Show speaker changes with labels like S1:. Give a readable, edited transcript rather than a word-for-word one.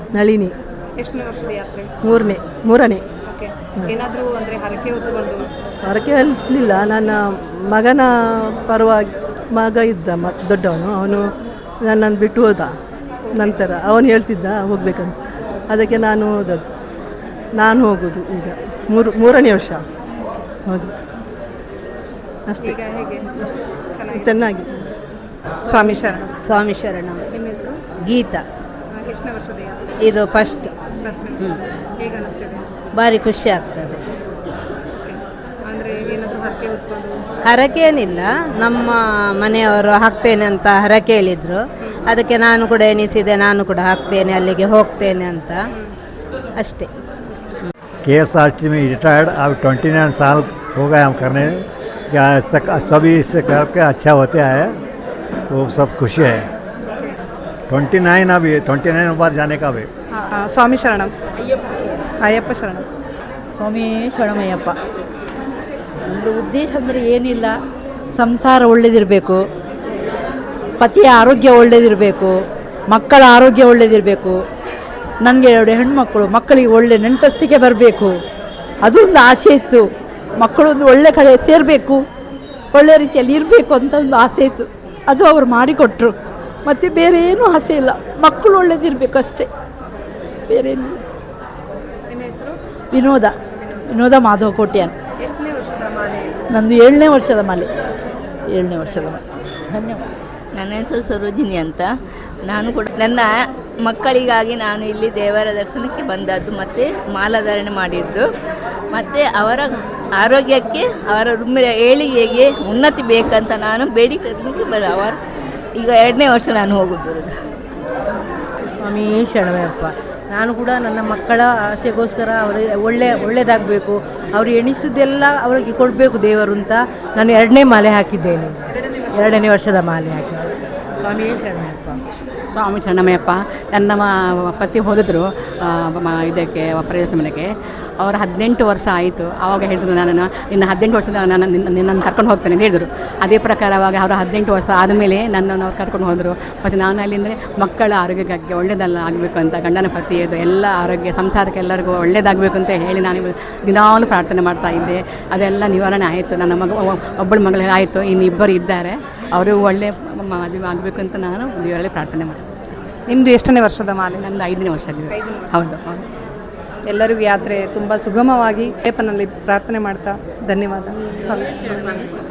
S1: ನಳಿನಿ.
S2: ಎಷ್ಟನೇ ವರ್ಷದ ಯಾತ್ರೆ?
S1: ಮೂರನೇ.
S2: ಓಕೆ. ಏನಾದರೂ ಅಂದರೆ ಹರಕೆ ಹೊತ್ತುಕೊಂಡು?
S1: ಹರಕೆ ಅಲ್ಲಿಲ್ಲ, ನನ್ನ ಮಗನ ಪರವಾಗಿ ಮಗ ಇದ್ದ ದೊಡ್ಡವನು, ಅವನು ನನ್ನನ್ನು ಬಿಟ್ಟು ಹೋದ. ನಂತರ ಅವನು ಹೇಳ್ತಿದ್ದ ಹೋಗ್ಬೇಕಂತ, ಅದಕ್ಕೆ ನಾನು ಹೋಗೋದು ಈಗ ಮೂರನೇ ವರ್ಷ. ಹೌದು, ಅಷ್ಟೇ.
S2: ಈಗ ಹೇಗೆ?
S1: ಚೆನ್ನಾಗಿ.
S2: ಸ್ವಾಮಿ ಶರಣ.
S3: ಸ್ವಾಮಿ ಶರಣ.
S2: ನಿಮ್ಮ ಹೆಸರು?
S3: ಗೀತಾ.
S2: ಎಷ್ಟನೇ ವರ್ಷದ ಯಾತ್ರೆ?
S3: ಇದು ಫಸ್ಟ್.
S2: ಹೇಗೆ ಅನಿಸ್ತಿದೆ?
S3: ಭಾರಿ ಖುಷಿ ಆಗ್ತದೆ.
S2: ಅಂದರೆ ಏನಾದರೂ ಹರಕೆ ಹೊತ್ಕೊಂಡು?
S3: ಹರಕೆ ಏನಿಲ್ಲ, ನಮ್ಮ ಮನೆಯವರು ಹಾಕ್ತೇನೆ ಅಂತ ಹರಕೆ ಹೇಳಿದರು. ಅದಕ್ಕೆ ನಾನು ಕೂಡ ಎಣಿಸಿದೆ, ನಾನು ಕೂಡ ಹಾಕ್ತೇನೆ, ಅಲ್ಲಿಗೆ ಹೋಗ್ತೇನೆ ಅಂತ ಅಷ್ಟೇ.
S4: KSRTC में रिटायर्ड, अब 29 साल हो गए हम करने। सभी इससे करके अच्छा होते आए, वो सब खुशी है। 29 अभी 29 बाद जाने का भी।
S2: ಸ್ವಾಮಿ ಶರಣಂ. ಅಯ್ಯಪ್ಪ ಶರಣಂ.
S5: ಸ್ವಾಮಿ ಶರಣಮಯ್ಯಪ್ಪ. ಒಂದು ಉದ್ದೇಶ ಅಂದರೆ ಏನಿಲ್ಲ, ಸಂಸಾರ ಒಳ್ಳೆಯದಿರಬೇಕು, ಪತಿಯ ಆರೋಗ್ಯ ಒಳ್ಳೆಯದಿರಬೇಕು, ಮಕ್ಕಳ ಆರೋಗ್ಯ ಒಳ್ಳೆಯದಿರಬೇಕು, ನನಗೆ 2 ಹೆಣ್ಮಕ್ಕಳು, ಮಕ್ಕಳಿಗೆ ಒಳ್ಳೆ ನೆಂಟಸ್ತಿಗೆ ಬರಬೇಕು, ಅದು ಒಂದು ಆಸೆ ಇತ್ತು. ಮಕ್ಕಳು ಒಂದು ಒಳ್ಳೆ ಕಡೆ ಸೇರಬೇಕು, ಒಳ್ಳೆ ರೀತಿಯಲ್ಲಿ ಇರಬೇಕು ಅಂತ ಒಂದು ಆಸೆ ಇತ್ತು. ಅದು ಅವರು ಮಾಡಿಕೊಟ್ರು. ಮತ್ತು ಬೇರೆ ಏನೂ ಆಸೆ ಇಲ್ಲ, ಮಕ್ಕಳು ಒಳ್ಳೇದಿರಬೇಕು ಅಷ್ಟೇ, ಬೇರೇನು.
S2: ನಿಮ್ಮ ಹೆಸರು?
S5: ವಿನೋದ ಮಾಧವ ಕೋಟ್ಯಾನ್.
S2: ಎಷ್ಟನೇ ವರ್ಷದ ಮಾಲೆ?
S5: ನಂದು 7ನೇ ವರ್ಷದ ಮಾಲೆ. ಧನ್ಯವಾದ.
S6: ನನ್ನ ಹೆಸರು ಸರೋಜಿನಿ ಅಂತ. ನಾನು ಕೂಡ ನನ್ನ ಮಕ್ಕಳಿಗಾಗಿ ನಾನು ಇಲ್ಲಿ ದೇವರ ದರ್ಶನಕ್ಕೆ ಬಂದದ್ದು, ಮತ್ತು ಮಾಲಾಧಾರಣೆ ಮಾಡಿದ್ದು, ಮತ್ತು ಅವರ ಆರೋಗ್ಯಕ್ಕೆ, ಅವರ ಏಳಿಗೆಗೆ ಉನ್ನತಿ ಬೇಕಂತ ನಾನು ಬೇಡಿಕೆ ಅವರು ಈಗ 2ನೇ ವರ್ಷ ನಾನು ಹೋಗುತ್ತಿರೋದು.
S3: ಸ್ವಾಮಿ ಶರಣಮಯ್ಯಪ್ಪ. ನಾನು ಕೂಡ ನನ್ನ ಮಕ್ಕಳ ಆಸೆಗೋಸ್ಕರ ಅವರಿಗೆ ಒಳ್ಳೆಯದಾಗಬೇಕು, ಅವರು ಎಣಿಸೋದೆಲ್ಲ ಅವರಿಗೆ ಕೊಡಬೇಕು ದೇವರು ಅಂತ ನಾನು 2ನೇ ಮಾಲೆ ಹಾಕಿದ್ದೇನೆ. 2ನೇ ವರ್ಷದ ಮಾಲೆ ಹಾಕಿದ್ದೇನೆ. ಸ್ವಾಮಿ ಶರಣಮಯ್ಯಪ್ಪ.
S7: ಸ್ವಾಮಿ ಶರಣಮಯ್ಯಪ್ಪ. ನನ್ನ ಪತಿ ಹೋದಿದ್ರು ಇದಕ್ಕೆ ಪ್ರಯೋಜನಕ್ಕೆ. ಅವರು 18 ವರ್ಷ ಆಯಿತು. ಆವಾಗ ಹೇಳಿದ್ರು, ನನ್ನನ್ನು ಇನ್ನು 18 ವರ್ಷದ ನಿನ್ನನ್ನು ಕರ್ಕೊಂಡು ಹೋಗ್ತೇನೆ ಅಂತ ಹೇಳಿದರು. ಅದೇ ಪ್ರಕಾರವಾಗಿ ಅವರು 18 ವರ್ಷ ಆದಮೇಲೆ ನನ್ನನ್ನು ಕರ್ಕೊಂಡು ಹೋದರು. ಮತ್ತು ನಾನು ಅಲ್ಲಿಂದರೆ ಮಕ್ಕಳ ಆರೋಗ್ಯಕ್ಕೆ ಒಳ್ಳೆಯದಲ್ಲ ಆಗಬೇಕು ಅಂತ, ಗಂಡನ ಪತಿಯದು ಎಲ್ಲ ಆರೋಗ್ಯ, ಸಂಸಾರಕ್ಕೆ ಎಲ್ಲರಿಗೂ ಒಳ್ಳೆಯದಾಗಬೇಕು ಅಂತ ಹೇಳಿ ನಾನು ದಿನಾಲೂ ಪ್ರಾರ್ಥನೆ ಮಾಡ್ತಾ ಇದ್ದೆ. ಅದೆಲ್ಲ ನಿವಾರಣೆ ಆಯಿತು. ನನ್ನ ಒಬ್ಬಳ ಮಗಳಿಗೆ ಆಯಿತು, ಇನ್ನು ಇಬ್ಬರು ಇದ್ದಾರೆ, ಅವರು ಒಳ್ಳೆ ಮದುವೆ ಆಗಬೇಕು ಅಂತ ನಾನು ದೇವರಲ್ಲಿ ಪ್ರಾರ್ಥನೆ ಮಾಡ್ತೀನಿ.
S2: ನಿಮ್ಮದು ಎಷ್ಟನೇ ವರ್ಷದ ಮಾಲೆ?
S7: ನಂದು 5ನೇ ವರ್ಷ ಆಗಿದೆ. ಹೌದು.
S2: ಎಲ್ಲರಿಗೂ ಯಾತ್ರೆ ತುಂಬ ಸುಗಮವಾಗಿ ಅಯ್ಯಪ್ಪನಲ್ಲಿ ಪ್ರಾರ್ಥನೆ ಮಾಡ್ತಾ ಧನ್ಯವಾದ. ಸ್ವಾಮಿ.